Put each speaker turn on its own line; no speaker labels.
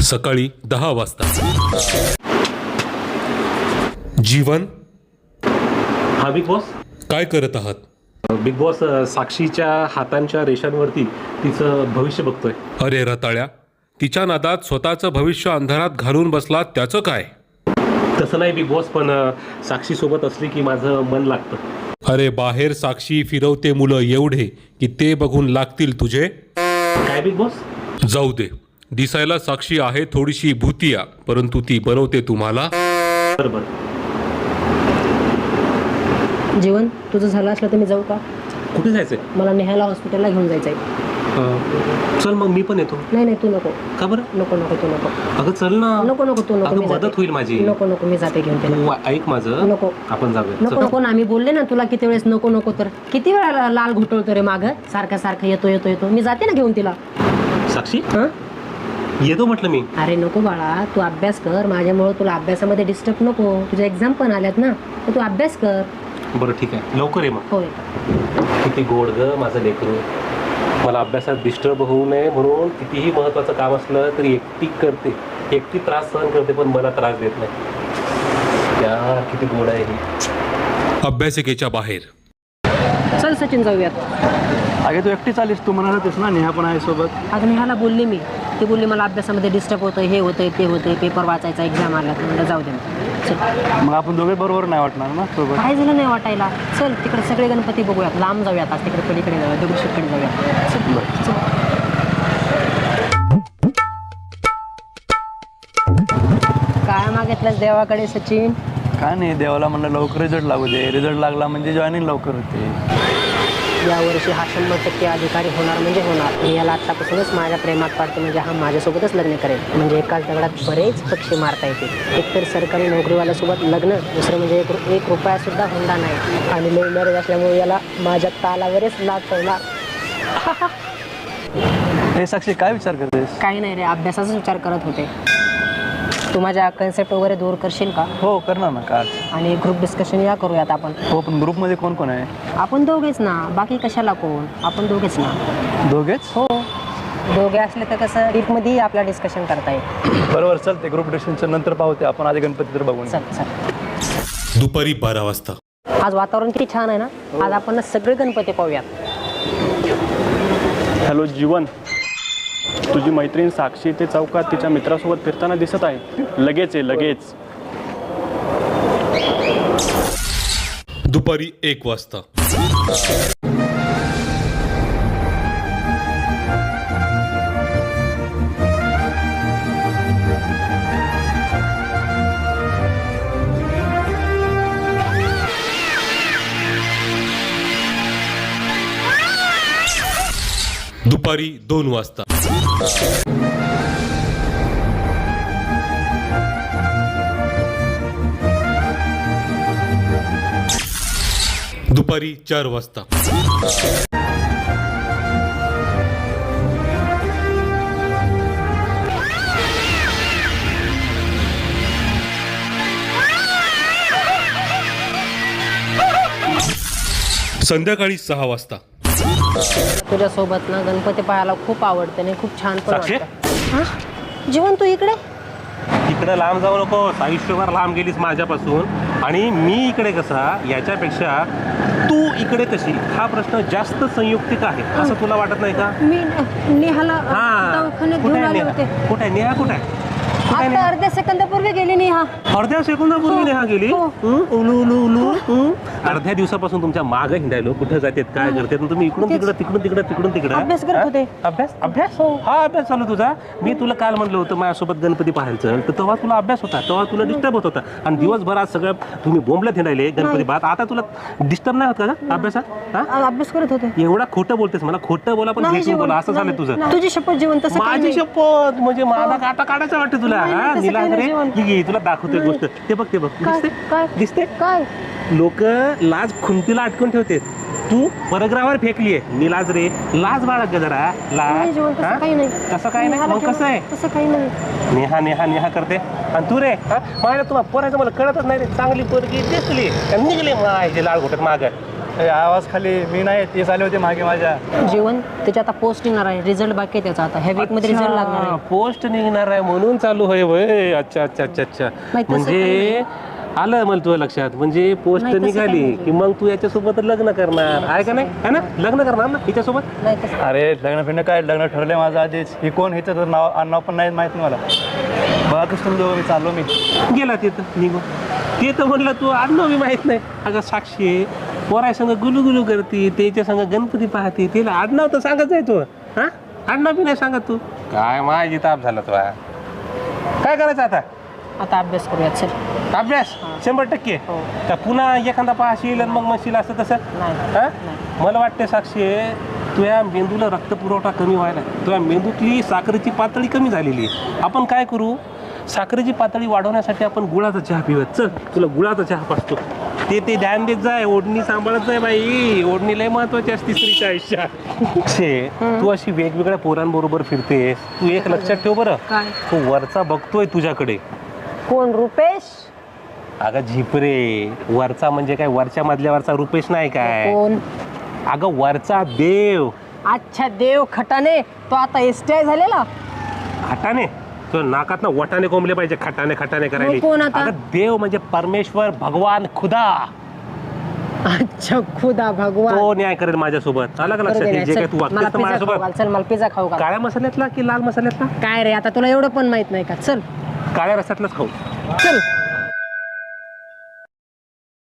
सकाळी 10 वाजता. जीवन,
हा बिग बॉस.
काय करत आहात?
बिग बॉस साक्षीच्या हातांच्या रेषांवरती तिचं भविष्य बघतोय.
अरे रताळ्या, तिच्या नादात स्वतःचं भविष्य अंधारात घालून बसला, त्याचं काय?
तसं नाही बिग बॉस, पण साक्षी सोबत असली की माझं मन लागतं.
अरे बाहेर साक्षी फिरवते मुलं एवढे की ते बघून लागतील तुझे.
काय बिग बॉस?
जाऊ दे, दिसायला साक्षी आहे थोडीशी भूतिया, परंतु ती बनवते तुम्हाला.
बरोबर.
जीवन तुझं झालं असलं तर मी जाऊ का?
कुठे जायचंय?
मला नेहाला हॉस्पिटलला घेऊन जायचं आहे.
चल मग मी पण येतो.
नाही तू नको.
का बरं?
नको तू नको.
अगं चल ना.
नको तू नको.
अगं
मी जाते.
मदत होईल माझी.
नको मी जाते घेऊन त्याला.
तू ऐक माझं.
नको.
आपण जाऊया.
नको ना, मी बोलले ना तुला किती वेळेस नको तर किती वेळा लाल घुटवतो रे मागं सारखं येतो. मी जाते ना घेऊन तिला.
साक्षी
हं?
येतो म्हटलं मी.
अरे नको बाळा, तू अभ्यास कर. माझ्यामुळे तुला अभ्यासामध्ये डिस्टर्ब नको. तुझ्या एक्झाम पण आल्यात ना, तर तू अभ्यास कर.
बरं ठीक आहे, लवकर ये मग.
होय.
किती गोड ग माझं लेकरू. मला अभ्यासात डिस्टर्ब होऊ नये म्हणून कितीही महत्त्वाचं काम असलं तरी एकटी करते. एकटी त्रास सहन करते, पण मला त्रास देत नाही. यार किती गोड आहे ही.
अभ्यासिकेच्या बाहेर.
चल सचिन जाऊयात.
अगे तू एकटी चालीस, तू म्हणाल होतीस ना नेहा पण आहे सोबत.
अगं नेहाला बोलले मी. ती बोलली मला अभ्यासामध्ये डिस्टर्ब होतं, हे होतंय ते होतंय, पेपर वाचायचा, एक्झाम आला. तर म्हणलं जाऊ दे. चल.
मग आपण दोघे बरोबर नाही वाटणार ना सोबत.
काय झालं नाही वाटायला. चल तिकडे सगळे गणपती बघूयात. लांब जाऊयात आज, तिकडे पलीकडे जाऊया, दगडूशेठकडे जाऊया. चल. काय मागितलंस देवाकडे सचिन?
काय नाही, देवाला म्हणलं लवकर रिझल्ट लागू दे. रिझल्ट लागला म्हणजे जॉईनिंग लवकर होते.
यावर्षी हा 100% अधिकारी होणार म्हणजे होणार. मी याला आत्तापासूनच माझ्या प्रेमात पाडते. म्हणजे हा माझ्यासोबतच लग्न करेल. म्हणजे एकाच दगडात बरेच पक्षी मारता येतील. एकतर सरकारी नोकरीवाल्यासोबत लग्न, दुसरं म्हणजे एक रुपयासुद्धा हुंडा नाही. आणि लव्ह मॅरेज असल्यामुळे याला माझ्या तालावरच लाट ठेवणार.
हे साक्षी काय विचार करतेस?
काही नाही रे, अभ्यासाचाच विचार करत होते. तू माझ्या कन्सेप्ट वगैरे दूर करशील का?
हो करणार ना का.
आणि ग्रुप डिस्कशन या करूयात आपण.
हो पण ग्रुपमध्ये कोण कोण आहे?
आपण दोघेच ना, बाकी कशाला कोण? आपण दोघेच ना.
दोघेच?
हो, दोघे असले तर कसं डीपमध्ये आपला डिस्कशन करता येईल.
बरोबर, चालते. ग्रुप डिस्कशनच्या नंतर पाहते आपण. आधी गणपती तर बघून.
चल.
दुपारी 12 वाजता.
आज वातावरण किती छान आहे ना. आज आपण सगळे गणपती पाहूयात.
हॅलो जीवन, तुझी मैत्रीण साक्षी ते चौकात तिच्या मित्रासोबत फिरताना दिसत आहे. लगेच आहे, लगेच.
दुपारी 1 वाजता. दुपारी 2 वाजता. दुपारी 4 वाजता. संध्याकाळी 6 वाजता.
तुझ्यासोबत ना गणपती पाहायला खूप आवडते आणि खूप छान पण
साक्षी?
वाटतं. हां जीवन, तू इकडे?
इकडे लांब जाऊ नको. आयुष्यभर लांब गेलीस माझ्यापासून. आणि मी इकडे कसा, याच्यापेक्षा तू इकडे कशी, हा प्रश्न जास्त संयुक्तिक आहे. असं तुला वाटत नाही का?
मी नेहाला
हा,
दवाखान्यात
कुठे
घेऊन
आहे
आले
नेहा?
होते.
कुठे आहे नेहा? कुठे आहे?
आता अर्ध्या सेकंदापूर्वी गेली नेहा.
अर्ध्या सेकंदापूर्वी
हो.
नेहा गेली.
हो.
उलू. अर्ध्या दिवसापासून तुमच्या मागं हिंडायलो. कुठे जातात, काय करतात, तुम्ही इकडून तिकडं
अभ्यास करत होते.
अभ्यास हा अभ्यास चालू तुझा. मी तुला काल म्हणलं होतं माझ्यासोबत गणपती पाहायचं, तर तेव्हा तुला अभ्यास होता, तेव्हा तुला डिस्टर्ब होत होता. आणि दिवसभरात सगळं तुम्ही बोंबलत हिंडायले गणपती पाहत. आता तुला डिस्टर्ब नाही होत का अभ्यासात?
अभ्यास करत होते.
एवढा खोटं बोलतेस. मला खोटं बोला पण भेटून बोला, असं झालं तुझं.
तुझी शपथ जीवन, तसं काही
माझी
नाही.
शपथ म्हणजे माझा काटा काढायचा वाटतं तुला.
नाही,
हा
तसं
निलाज
काही
रे,
नाही जीवन.
ही घे, तुला दाखवतोय गोष्ट. ते बघ
काय
दिसते
काय
लोक लाज खुंटीला अटकून ठेवते. तू परग्रावर फेकलीये. निलाज रे, लाज बाळग जरा.
नाही
लाज.
जीवन, तसं काही नाही.
कसं काय नाही? मग कसं आहे?
तसं काही नाही.
नेहा नेहा नेहा करते. आणि तू रे, माझ्या तुम्हाला पोरायचं मला कळतच नाही रे. चांगली पोरगी दिसली निघली माझे लाल घोटत माग.
आवाज खाली मी नाही ते चालले होते मागे माझ्या.
जीवन त्याची आता पोस्ट येणार आहे, रिझल्ट बाकी आहे त्याचा आता. ह्या वीकमध्ये रिझल्ट लागणार आहे.
पोस्ट निघणार आहे म्हणून चालू आहे वय. अच्छा अच्छा अच्छा अच्छा.
नाही, तसं
म्हणजे आलं मला तुझ्या लक्षात. म्हणजे पोस्ट
नाही, तसं
निघाली
काही
की मग तू याच्यासोबत लग्न करणार आहे का नाही, है ना? लग्न करणार ना हिच्यासोबत?
नाही तसं
अरे लग्न फिरणं काय, लग्न ठरलंय माझं आधीच. ही कोण हिचं तर नाव पण नाही माहीत नाही मला. बघा कसं तुम्ही दोघं, मी चाललो मी.
गेला तिथं निघून. ते तर म्हणलं तू आडनाव मी माहित नाही. अगं साक्षी आहे, पोराय संग गुलू करते, त्याच्या संग गणपती पाहते, तिला आडनाव तर सांगत आहे तू. हा आडनाव बी नाही सांगत तू. काय माझी ताप झाला तुला. काय करायचं आता?
आता अभ्यास करूयात चल.
अभ्यास 100%.
हो.
का पुन्हा एखादा पाहशील आणि मग म्हणशील असं तसं?
नाही
हा?
नाही.
मला वाटते साक्षी, तुझ्या मेंदूला रक्तपुरवठा कमी व्हायला, तुझ्या मेंदूतली साखरेची पातळी कमी झालेली आहे. आपण काय करू, साखरेची पातळी वाढवण्यासाठी आपण गुळाचा चहा पिऊयात. चल तुला गुळाचा चहा पाचतो. ते ध्यान देत जाय, ओढणी सांभाळत जाय बाई. ओढणी लय महत्वाची असते स्त्रीच्या आयुष्यात. तू अशी वेगवेगळ्या पोरांबरोबर फिरतेस. तू एक लक्षात ठेव बरं,
काय?
तू वरचा बघतोय तुझ्याकडे.
कोण? रुपेश?
अगं झिपरे, वरचा म्हणजे काय, वरच्या मधल्यावरचा रुपेश नाही काय.
कोण?
अगं वरचा देव.
अच्छा देव खटाने. तो आता एसटीआय झालेला.
खटाने? तो नाकात ना वटाने कोंबले पाहिजे. खटाने करायला.
मग कोण आता?
अगं देव म्हणजे परमेश्वर, भगवान, खुदा.
अच्छा खुदा भगवान.
तो न्याय करेल माझ्यासोबत. आला का
करू
लक्षात?
दे
हे
ना,
जे काय
चल.
तू
मला
वागतेस ना
पिझ्झा खाऊ घाल.
माझ्यासोबत,
चल मला पिझ्झा खाऊ घाल.
काळ्या मसाल्यातला की लाल मसाल्यातला?
काय रे आता तुला एवढं पण माहित नाही का? चल
काळ्या रसातलाच खाऊ.
चल.